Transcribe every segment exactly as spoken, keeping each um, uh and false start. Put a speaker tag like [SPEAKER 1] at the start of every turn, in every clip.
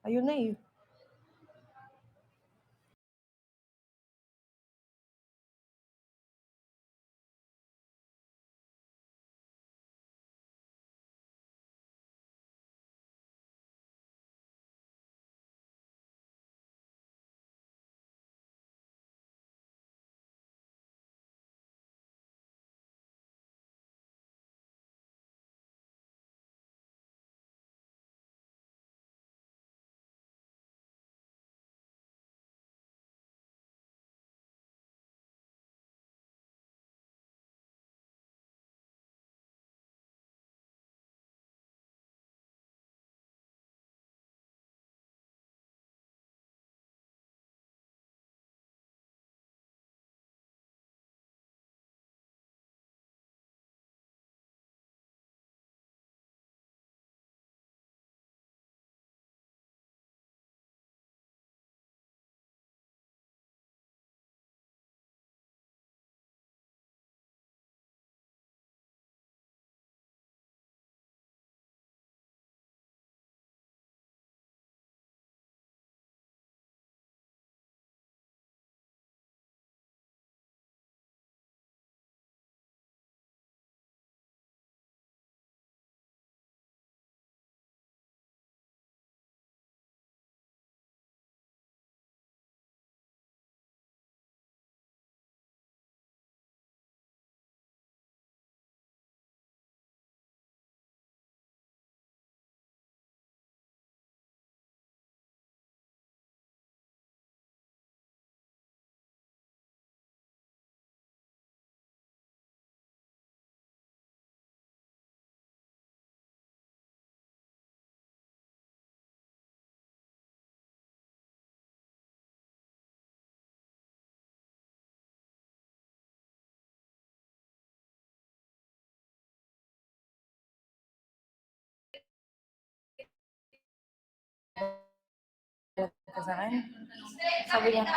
[SPEAKER 1] Ayun na eh. Ka sa akin? Sabi niya,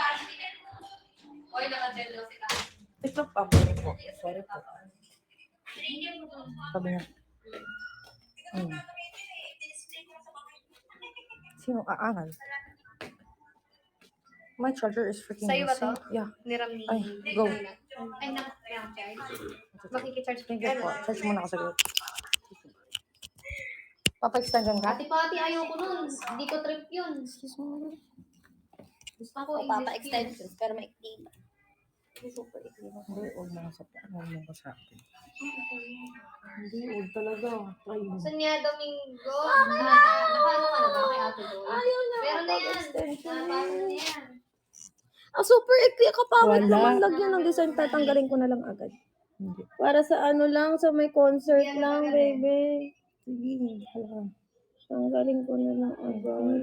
[SPEAKER 1] ito pa po po. Sorry po. Sabi niya, hmm. Sino aangal? My charger is freaking
[SPEAKER 2] Sa'yo ba to?
[SPEAKER 1] missing. Yeah.
[SPEAKER 2] Niram ni...
[SPEAKER 1] Ay, go.
[SPEAKER 2] Ay, naka-charge. Makikicharge
[SPEAKER 1] Thank you po. Charge muna ako sa group. Papa-extension ka?
[SPEAKER 2] Ate Pati, ayoko nun. Hindi ko trip yun. Gusto ko
[SPEAKER 3] O papa-extensions, pero maikli ba?
[SPEAKER 1] Super ikli mo. Hindi, huwag mo sa huwag mo sa akin. Hindi, huwag talaga. Try mo.
[SPEAKER 2] Sa niya, Domingo. Nakaano ka na ba kay Ate Boy?
[SPEAKER 3] Ayaw na.
[SPEAKER 2] Meron na yan. Napasa na yan.
[SPEAKER 3] Ah, super ikli. Kapawit
[SPEAKER 1] Wala.
[SPEAKER 3] naman lagyan ng design. Tatanggalin ko na lang agad.
[SPEAKER 1] Hindi.
[SPEAKER 3] Para sa ano lang, sa may concert
[SPEAKER 2] Yan,
[SPEAKER 3] lang,
[SPEAKER 2] magaling.
[SPEAKER 3] baby.
[SPEAKER 1] Sige, hala.
[SPEAKER 3] Tanggalin ko na lang agad.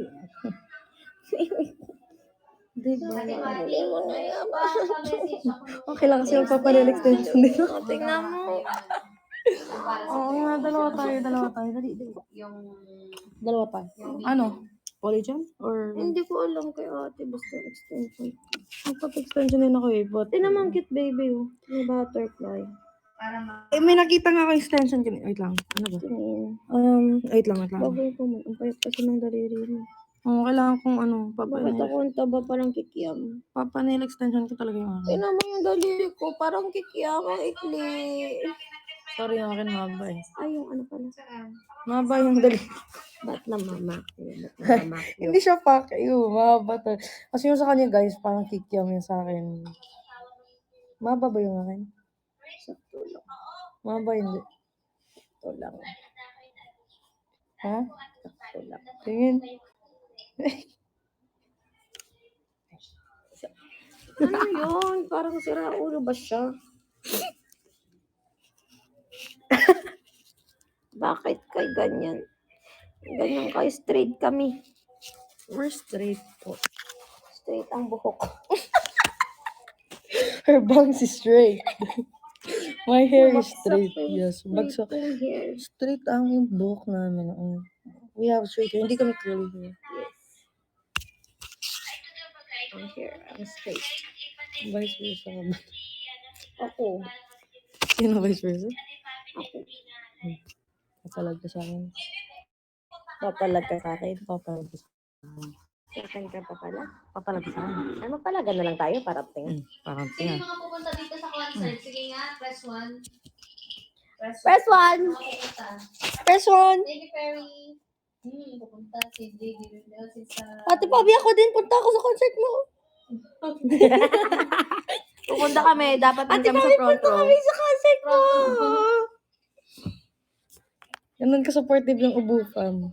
[SPEAKER 1] Hindi,
[SPEAKER 2] Ate
[SPEAKER 1] wala.
[SPEAKER 2] Pati,
[SPEAKER 3] mo na yan.
[SPEAKER 2] pa-message ako nung...
[SPEAKER 1] Okay lang kasi magpapanel extension din.
[SPEAKER 3] O, tingnan mo.
[SPEAKER 1] Oo nga, dalawa tayo, dalawa tayo. Dali, dali.
[SPEAKER 2] Yung...
[SPEAKER 1] Dalawa tayo. Ano? Polygon? Or...
[SPEAKER 3] Hindi ko alam kay ate. Basta extension.
[SPEAKER 1] Magpapa-extension din ako eh, but...
[SPEAKER 3] Tingnan mo ang cute, baby. Oh. May butterfly.
[SPEAKER 2] Para ma...
[SPEAKER 1] Eh, may nakita nga ako extension. Wait lang. Ano ba?
[SPEAKER 3] Tingin.
[SPEAKER 1] Um, wait lang, wait lang.
[SPEAKER 3] Bagay ko mo. Ang payat kasi ng daliri mo.
[SPEAKER 1] Oo, kailangan kong ano,
[SPEAKER 3] Bakit
[SPEAKER 1] papanel.
[SPEAKER 3] ako ang taba parang kikiam?
[SPEAKER 1] Papanel extension ko talaga yung ano.
[SPEAKER 3] Tingnan mo yung daliri ko. Parang kikiam. Ang ikli.
[SPEAKER 1] Sorry, yung akin maba eh.
[SPEAKER 3] Ay, yung ano pala.
[SPEAKER 1] Maba yung dali.
[SPEAKER 3] Ba't na mama? Ba't na mama?
[SPEAKER 1] Hindi siya fuck you, maba to. Kasi yung sa kanya guys, parang kikiam yung sa akin. Maba ba yung akin?
[SPEAKER 3] Sakto lang.
[SPEAKER 1] Maba hindi.
[SPEAKER 3] Sakto lang.
[SPEAKER 1] Ha?
[SPEAKER 3] Sakto lang.
[SPEAKER 1] Tingin.
[SPEAKER 3] Ano yun? Parang sira ulo ba siya? Bakit kay ganyan? Ganyan kayo straight kami.
[SPEAKER 1] We're straight po.
[SPEAKER 3] Straight ang buhok.
[SPEAKER 1] Her bangs is straight. My hair is
[SPEAKER 3] Bagsak
[SPEAKER 1] straight.
[SPEAKER 3] eh.
[SPEAKER 1] Yes, bagsak.
[SPEAKER 3] Straight yung hair.
[SPEAKER 1] Straight ang yung buhok namin. Mm. We have straight hair. Hindi kami curly hair.
[SPEAKER 3] Yes. Ang hair, ang straight.
[SPEAKER 1] Vice versa ka ba?
[SPEAKER 3] Ako.
[SPEAKER 1] Sino vice versa?
[SPEAKER 3] Ako.
[SPEAKER 1] Papalag ka sa akin.
[SPEAKER 3] Papalag ka sa akin.
[SPEAKER 1] Papalag ka sa
[SPEAKER 3] Second ka pa pala.
[SPEAKER 1] Papalagsan.
[SPEAKER 3] Ano pala, gano'n lang tayo para tingin.
[SPEAKER 1] Hmm, parang
[SPEAKER 2] Sino
[SPEAKER 1] tingnan.
[SPEAKER 2] yung mga pupunta dito sa concert? Sige nga, press one. Press
[SPEAKER 3] Press one!
[SPEAKER 2] Mga pupunta.
[SPEAKER 3] Press one!
[SPEAKER 2] Lady Perry. Hmm, pupunta si J D Rivera, si sa...
[SPEAKER 3] Ate Pabi, ako din. Punta ako sa concert mo. Pupunta kami. Dapat din kami sa front row. Kami sa concert mo.
[SPEAKER 1] Ganun ka-supportive yung Ubu fam.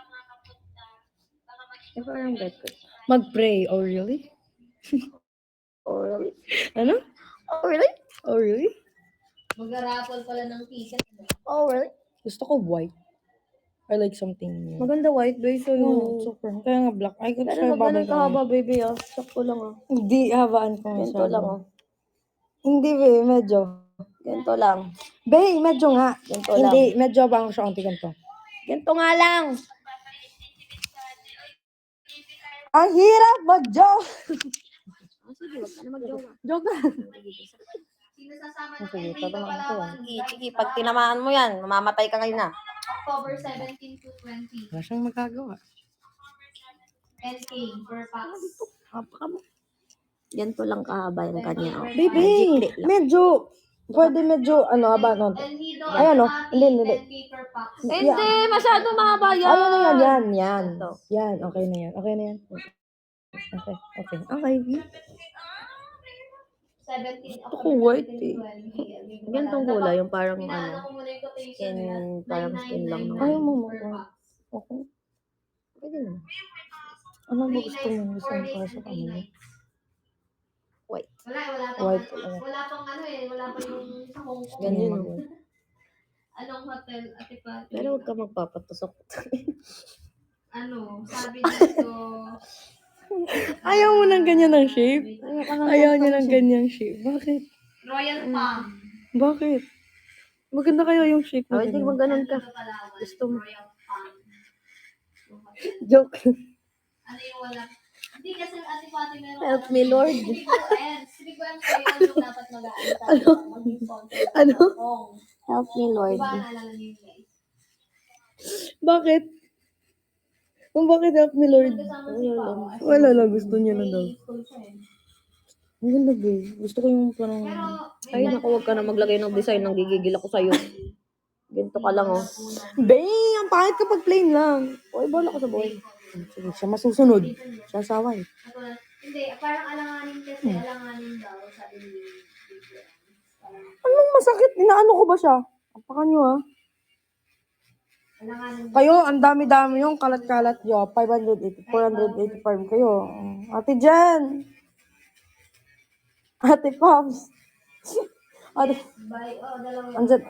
[SPEAKER 3] Ito ang bet ko.
[SPEAKER 1] Mag-pray. Oh, really?
[SPEAKER 3] Oh, really?
[SPEAKER 1] Ano?
[SPEAKER 3] Oh, really?
[SPEAKER 1] Oh, really?
[SPEAKER 2] Mag-raffle pala ng ticket.
[SPEAKER 3] Oh, really?
[SPEAKER 1] Gusto ko white. I like something new.
[SPEAKER 3] Maganda white base
[SPEAKER 1] Oo,
[SPEAKER 3] sa'yo.
[SPEAKER 1] super. Kaya nga black. Ay, gusto
[SPEAKER 3] Pero
[SPEAKER 1] ko
[SPEAKER 3] wag ganun
[SPEAKER 1] babay ko.
[SPEAKER 3] kahaba, baby, ah. Sakto lang, ah.
[SPEAKER 1] Hindi, habaan ko
[SPEAKER 3] Ganito
[SPEAKER 1] masyado.
[SPEAKER 3] lang, ah.
[SPEAKER 1] Hindi, be. Medyo.
[SPEAKER 3] Ganito lang.
[SPEAKER 1] Be, medyo nga.
[SPEAKER 3] Ganito lang.
[SPEAKER 1] Hindi, medyo bang siya konti ganito.
[SPEAKER 3] Ganito nga lang.
[SPEAKER 1] Ang hirap mag-joke!
[SPEAKER 3] Ah, sige, wag ka na mag-joke.
[SPEAKER 1] Joke na.
[SPEAKER 2] Sino sasama ng
[SPEAKER 1] Sige,
[SPEAKER 2] Enrico
[SPEAKER 1] tatanungin ko
[SPEAKER 2] Palawan?
[SPEAKER 3] Sige, sige, pag tinamaan mo yan, mamamatay ka ngayon, ah.
[SPEAKER 2] October seventeen to twenty.
[SPEAKER 1] Wala siyang magagawa.
[SPEAKER 2] ten K per pax.
[SPEAKER 3] Kapaka mo. Ganito lang kahaba yung kanya, oh.
[SPEAKER 1] Baby,
[SPEAKER 3] Jikli lang.
[SPEAKER 1] medyo, pwede medyo, ano, haba, no?
[SPEAKER 2] El Nido
[SPEAKER 1] Ay, ano?
[SPEAKER 2] Almaty,
[SPEAKER 1] Hindi, hindi.
[SPEAKER 2] ten K per pax.
[SPEAKER 3] Hindi, masyado mahaba yan.
[SPEAKER 1] Ay, ano yan, yan, yan.
[SPEAKER 3] Ito.
[SPEAKER 1] Yan, okay na yan. Okay na yan. Okay, okay. Okay.
[SPEAKER 2] seventeen
[SPEAKER 1] Gusto ko white, eh.
[SPEAKER 3] Ganitong kulay, yung parang
[SPEAKER 2] Pinaano
[SPEAKER 3] ano.
[SPEAKER 2] ko muna yung quotation
[SPEAKER 3] skin,
[SPEAKER 2] nila.
[SPEAKER 3] parang skin lang naman.
[SPEAKER 1] Ayaw mo,
[SPEAKER 2] per
[SPEAKER 1] mo.
[SPEAKER 2] pax.
[SPEAKER 1] Okay.
[SPEAKER 3] Pwede na.
[SPEAKER 1] Ano ba
[SPEAKER 2] Three
[SPEAKER 1] gusto mo?
[SPEAKER 2] nights,
[SPEAKER 1] Gusto
[SPEAKER 2] four
[SPEAKER 1] mo
[SPEAKER 2] days
[SPEAKER 1] para
[SPEAKER 2] and
[SPEAKER 1] sa
[SPEAKER 2] three
[SPEAKER 1] kanila?
[SPEAKER 2] nights.
[SPEAKER 3] White.
[SPEAKER 2] Wala, wala pang,
[SPEAKER 1] White
[SPEAKER 2] ano,
[SPEAKER 1] talaga.
[SPEAKER 2] wala pang ano eh, wala pa yung sa Hong Kong.
[SPEAKER 3] Ganyan,
[SPEAKER 1] Ano
[SPEAKER 3] oh.
[SPEAKER 2] Anong hotel, Ate Pati?
[SPEAKER 3] Pero huwag ka magpapatusok.
[SPEAKER 2] Ano, sabi dito,
[SPEAKER 1] Ayaw mo ng ganyan ng shape?
[SPEAKER 3] Ayaw ka ng
[SPEAKER 1] Ayaw niya
[SPEAKER 3] ganitong
[SPEAKER 1] ng
[SPEAKER 3] shape.
[SPEAKER 1] ganyang shape. Bakit?
[SPEAKER 2] Royal Palm.
[SPEAKER 1] Bakit? Maganda kaya yung shape
[SPEAKER 3] Oh,
[SPEAKER 1] na
[SPEAKER 3] hindi
[SPEAKER 1] ganyan.
[SPEAKER 3] mo ganun ka.
[SPEAKER 2] Dito Palawan,
[SPEAKER 3] Gusto mo.
[SPEAKER 2] Royal Palm. Yung hotel.
[SPEAKER 1] Joke.
[SPEAKER 2] Ano yung wala? Hindi kasi Ate Pati meron.
[SPEAKER 3] Help me, Lord.
[SPEAKER 2] Sige po, ayan. Sige po, ang kayo yung dapat mag-aano tayo. Mag-sponsor.
[SPEAKER 1] Ano?
[SPEAKER 2] Hong.
[SPEAKER 3] Help me, Lord.
[SPEAKER 2] Diba, naalala niyo yun guys?
[SPEAKER 1] Bakit? Kung bakit help me, Lord?
[SPEAKER 2] Kasama si Pao. as
[SPEAKER 1] Wala
[SPEAKER 2] in,
[SPEAKER 1] lang, gusto niya lang daw.
[SPEAKER 2] may school siya eh.
[SPEAKER 1] Ang ganda, babe. Gusto ko yung parang...
[SPEAKER 2] Pero,
[SPEAKER 3] Ay, naku, huwag ka na maglagay ng design. Nang gigigil ako sa'yo. Ganito ka lang, oh.
[SPEAKER 1] Babe, ang pangit kapag plain lang.
[SPEAKER 3] Uy, bola ko sa boy.
[SPEAKER 1] Sige, siya masusunod. Siya saway.
[SPEAKER 2] Katulad- Hindi, parang alanganin kasi, alanganin daw, sabi ni Big Red. Parang
[SPEAKER 1] Anong masakit? Inaano ko ba siya? Apakan nyo, ha?
[SPEAKER 2] alanganin daw.
[SPEAKER 1] Kayo, ang dami-dami yung kalat-kalat nyo. five eighty, four eighty-five kayo. Ate Jen! Ate Pops! Ate,
[SPEAKER 2] By, oh, dalawa yun.
[SPEAKER 1] andyan.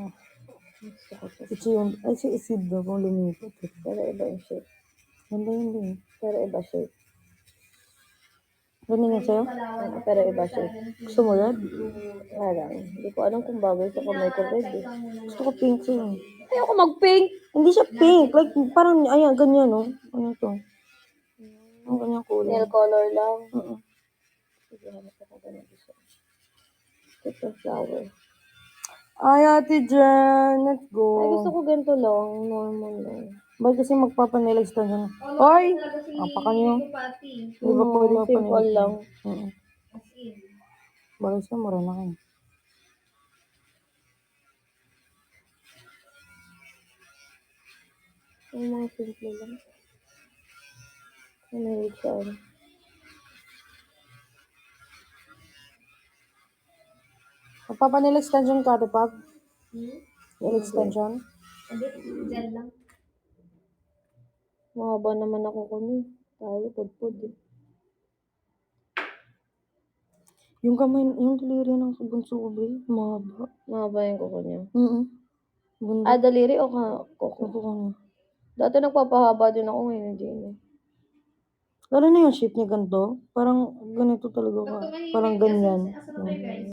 [SPEAKER 1] Ito yung, ay si Isid daw kung lumipat.
[SPEAKER 3] Pero iba yung shape.
[SPEAKER 1] Ganda yun din.
[SPEAKER 3] Pero iba shape.
[SPEAKER 1] Ganun nga sa'yo?
[SPEAKER 3] Oo, pero iba shape.
[SPEAKER 1] Gusto mo red?
[SPEAKER 3] Wala lang. Hindi ko alam kung bagay sa kamay ko red, eh.
[SPEAKER 1] Gusto ko pink sa'yo.
[SPEAKER 3] Ayoko mag-pink.
[SPEAKER 1] Hindi siya pink. Like, parang, ayan, ganyan, no? Ano to? Ang ganyan kulay.
[SPEAKER 3] Nail color lang.
[SPEAKER 1] Oo.
[SPEAKER 3] Sige, hanap ako ganun gusto. Ito flower.
[SPEAKER 1] Ay, Ate Jen, let's
[SPEAKER 3] Ay,
[SPEAKER 1] go.
[SPEAKER 3] gusto ko ganito lang. Normal lang.
[SPEAKER 1] Ba't kasi magpapanilags ka dyan? Hoy! Apakan nyo.
[SPEAKER 2] Pati.
[SPEAKER 1] Di ba
[SPEAKER 3] Oo,
[SPEAKER 1] pwede
[SPEAKER 3] simple
[SPEAKER 1] magpanilags?
[SPEAKER 3] lang.
[SPEAKER 1] Oo.
[SPEAKER 2] As in.
[SPEAKER 1] Bagay siya, mura na kayo.
[SPEAKER 3] Yung mga simple lang. Ano yung siya, ano?
[SPEAKER 1] Magpapanail extension ka, Ate Pag?
[SPEAKER 2] Hmm?
[SPEAKER 1] Nail extension?
[SPEAKER 2] Hindi, gel lang.
[SPEAKER 3] Mahaba naman ako kami. Tayo, pudpud eh.
[SPEAKER 1] Yung kamay, yung daliri ng bunso ko, ba? Mahaba.
[SPEAKER 3] Mahaba yung kuko niya.
[SPEAKER 1] Oo. Ganda.
[SPEAKER 3] Ah, daliri o ka kuko?
[SPEAKER 1] Ako ka niya.
[SPEAKER 3] Dati nagpapahaba din ako ngayon, hindi na.
[SPEAKER 1] Lalo na yung shape niya ganito. Parang ganito talaga ka.
[SPEAKER 2] Pag tumahimik
[SPEAKER 1] Parang
[SPEAKER 2] kasi,
[SPEAKER 1] ganyan.
[SPEAKER 2] asa na tayo, guys?